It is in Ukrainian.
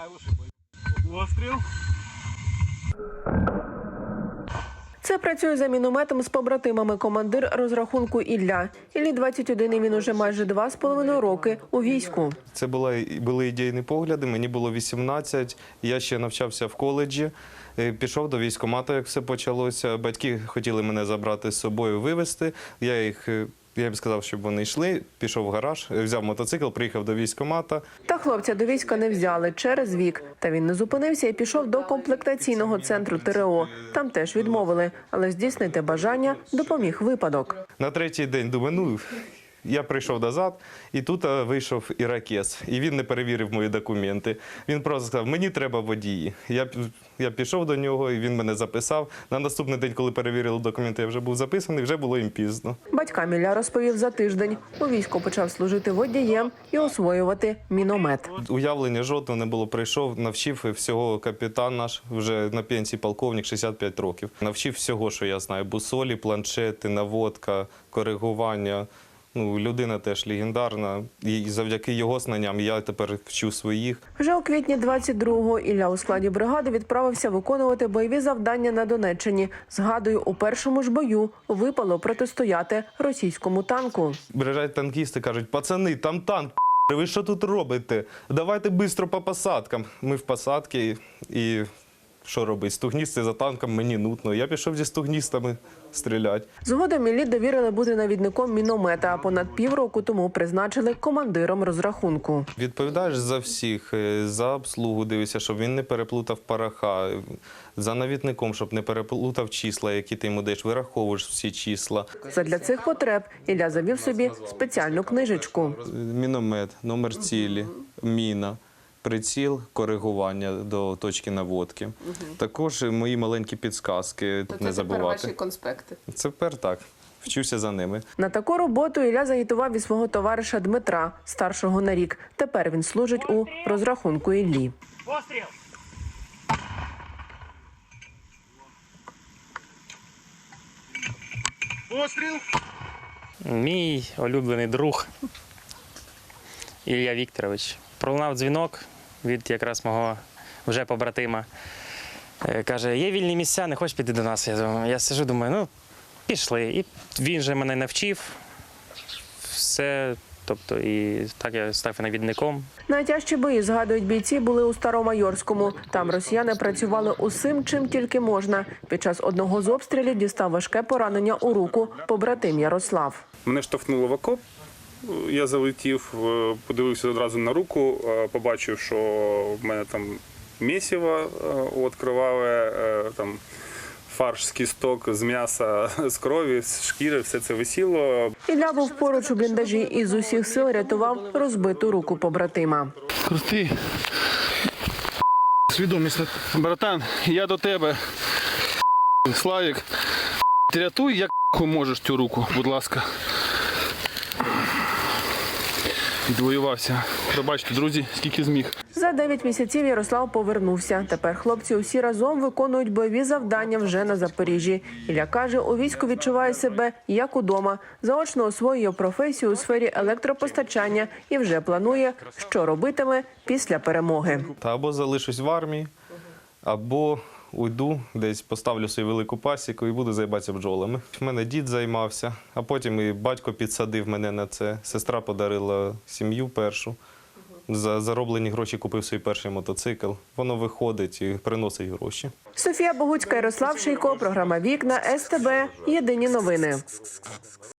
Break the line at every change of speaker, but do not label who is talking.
Постріл.
Це працює за мінометом з побратимами командир розрахунку Ілля. Іллі 21, і він уже майже 2,5 роки у війську.
Це були ідейні погляди, мені було 18, я ще навчався в коледжі, пішов до військкомату, як все почалося. Батьки хотіли мене забрати з собою, вивезти. Я їм сказав, щоб вони йшли, пішов в гараж, взяв мотоцикл, приїхав до військкомата.
Та хлопця до війська не взяли через вік. Та він не зупинився і пішов до комплектаційного центру ТРО. Там теж відмовили, але здійснити бажання допоміг випадок.
На третій день думаю, я прийшов назад, і тут вийшов іракез, і він не перевірив мої документи. Він просто сказав, мені треба водії. Я пішов до нього, і він мене записав. На наступний день, коли перевірили документи, я вже був записаний, вже було їм пізно.
Батькам Ілля розповів за тиждень. У війську почав служити водієм і освоювати міномет.
Уявлення жодного не було. Прийшов, навчив всього капітан наш, вже на пенсії полковник, 65 років. Навчив всього, що я знаю. Бусолі, планшети, наводка, коригування. Людина теж легендарна, і завдяки його знанням я тепер вчу своїх.
Вже у квітні 22-го Ілля у складі бригади відправився виконувати бойові завдання на Донеччині. Згадую, у першому ж бою випало протистояти російському танку.
Приїжджають танкісти, кажуть, пацани, там танк, ви що тут робите? Давайте швидко по посадкам. Ми в посадці і що робити? Стугністи за танком мені нудно. Я пішов зі стугністами стріляти.
Згодом Іллі довірили бути навідником міномета, а понад півроку тому призначили командиром розрахунку.
Відповідаєш за всіх, за обслугу дивишся, щоб він не переплутав пороха, за навідником, щоб не переплутав числа, які ти йому даєш, вираховуєш всі числа.
Задля цих потреб Ілля завів собі спеціальну книжечку.
Міномет, номер цілі, міна. Приціл, коригування до точки наводки. Також мої маленькі підсказки не забувати.
Це ваші конспекти?
Це тепер так. Вчуся за ними.
На таку роботу Ілля загітував і свого товариша Дмитра, старшого на рік. Тепер він служить у розрахунку Іллі.
Постріл. Постріл.
Мій улюблений друг Ілля Вікторович. Пролунав дзвінок від якраз мого вже побратима. Каже, є вільні місця, не хочеш піти до нас? Я сиджу, думаю, пішли. І він же мене навчив. Все, тобто, і так я став навідником.
Найтяжчі бої, згадують бійці, були у Старомайорському. Там росіяни працювали усім, чим тільки можна. Під час одного з обстрілів дістав важке поранення у руку побратим Ярослав.
Мене штовхнуло в окоп. Я залетів, подивився одразу на руку, побачив, що в мене там місиво відкривали, там фарш з кісток, з м'яса, з крові, з шкіри, все це висіло.
Ілля був поруч у бліндажі і з усіх сил рятував розбиту руку побратима.
Крути. Свідомість, братан, я до тебе. Славік, ти рятуй, як можеш цю руку, будь ласка. Відвоювався. Пробачте, друзі, скільки зміг.
За 9 місяців Ярослав повернувся. Тепер хлопці усі разом виконують бойові завдання вже на Запоріжжі. Ілля каже, у війську відчуває себе як удома. Заочно освоює професію у сфері електропостачання і вже планує, що робитиме після перемоги.
Та або залишусь в армії, або уйду, десь поставлю свою велику пасіку і буду займатися бджолами. В мене дід займався, а потім і батько підсадив мене на це. Сестра подарила сім'ю першу. За зароблені гроші купив свій перший мотоцикл. Воно виходить і приносить гроші.
Софія Богуцька, Ярослав Шийко, програма «Вікна», СТБ, Єдині новини.